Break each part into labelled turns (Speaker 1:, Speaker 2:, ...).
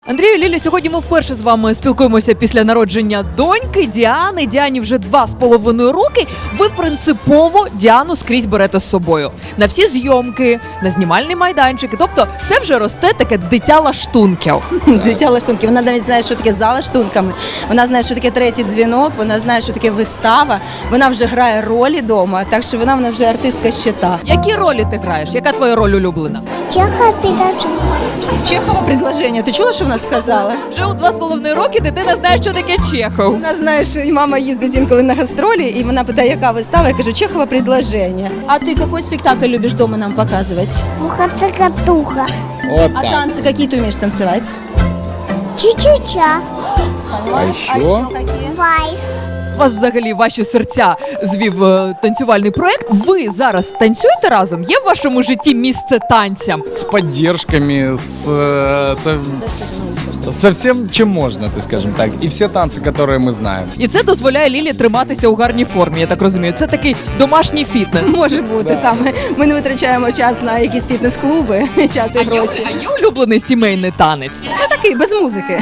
Speaker 1: Андрію, Лілі, сьогодні ми вперше з вами спілкуємося після народження доньки Діани. Діані вже 2,5 роки. Ви принципово Діану скрізь берете з собою. На всі зйомки, на знімальні майданчики. Тобто це вже росте таке дитя лаштунків.
Speaker 2: Дитя лаштунків. Вона навіть знає, що таке за лаштунками. Вона знає, що таке третій дзвінок, вона знає, що таке вистава. Вона вже грає ролі вдома, так що вона вже артистка щита.
Speaker 1: Які ролі ти граєш? Яка твоя роль улюблена?
Speaker 3: Чехова передача.
Speaker 2: Чехова предложення. Ти чула, що вона сказала?
Speaker 1: Вже у 2,5 роки дитина знає, що таке Чехов.
Speaker 2: Вона знає, що і мама їздить інколи на гастролі, і вона питає, яка вистава. Я кажу, Чехова предложення. А ти який спектакль любиш вдома нам показувати?
Speaker 3: Муха-цикатуха.
Speaker 4: Вот
Speaker 2: А
Speaker 4: так.
Speaker 2: танці які ти вмієш танцювати?
Speaker 3: Чу-чу-ча.
Speaker 4: А еще?
Speaker 2: які?
Speaker 3: Вайс.
Speaker 1: Вас взагалі ваші серця звів танцювальний проект. Ви зараз танцюєте разом? Є в вашому житті місце танцям?
Speaker 4: С поддержками, со всем, чем можно, ты скажем так. И все танцы, которые мы знаем.
Speaker 1: І це дозволяє Лілі триматися у гарній формі, я так розумію. Це такий домашній фітнес.
Speaker 2: Може бути, там ми не витрачаємо час на якісь фітнес-клуби, час і гроші.
Speaker 1: А є улюблений сімейний танець?
Speaker 2: Ну такий, без музики.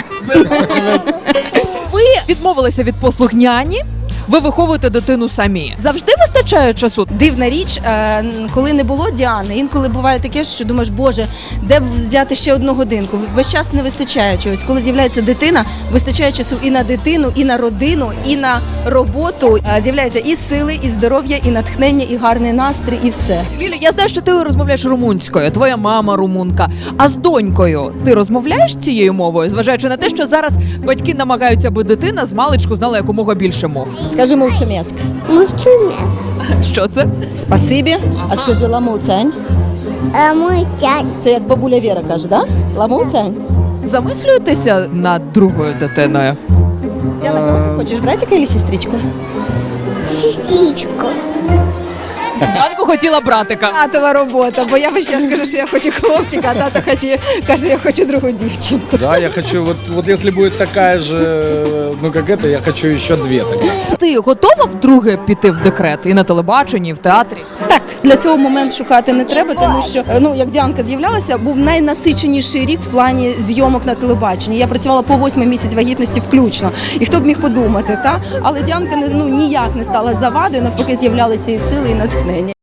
Speaker 1: Ви відмовилися від послуг няні, ви виховуєте дитину самі. Завжди вистачає часу?
Speaker 2: Дивна річ, коли не було Діани, інколи буває таке, що думаєш, боже, де б взяти ще одну годинку? Весь час не вистачає чогось. Коли з'являється дитина, вистачає часу і на дитину, і на родину, і на роботу. З'являються і сили, і здоров'я, і натхнення, і гарний настрій, і все.
Speaker 1: Лілі, я знаю, що ти розмовляєш румунською, твоя мама румунка. А з донькою ти розмовляєш цією мовою, зважаючи на те, що зараз батьки намагаються, аби дитина з маличку знала якомога більше мов?
Speaker 2: Скажи мовцумєск.
Speaker 3: Муцумець.
Speaker 1: Що це?
Speaker 2: Спасибі. А скажи ламуцянь.
Speaker 3: Мутянь.
Speaker 2: Це як бабуля Віра каже, да? Ламуцянь.
Speaker 1: Замислюєтеся над другою дитиною?
Speaker 2: Діана, кого ти хочеш, братика чи сестричку?
Speaker 3: Сісічку.
Speaker 1: Зранку хотіла братика.
Speaker 2: Татова робота, бо я весь час скажу, що я хочу хлопчика, а тато каже, я хочу другу дівчинку.
Speaker 4: Да, я хочу, вот если будет такая же, ну как это, я хочу еще две таких.
Speaker 1: Ти готова вдруге піти в декрет і на телебаченні, і в театрі?
Speaker 2: Так, для цього момент шукати не треба, тому що, як Діанка з'являлася, був найнасиченіший рік в плані зйомок на телебаченні. Я працювала по 8-й місяць вагітності включно. І хто б міг подумати, та? Але Діанка ніяк не стала завадою, навпаки, з'являлися і сили, і натхнення.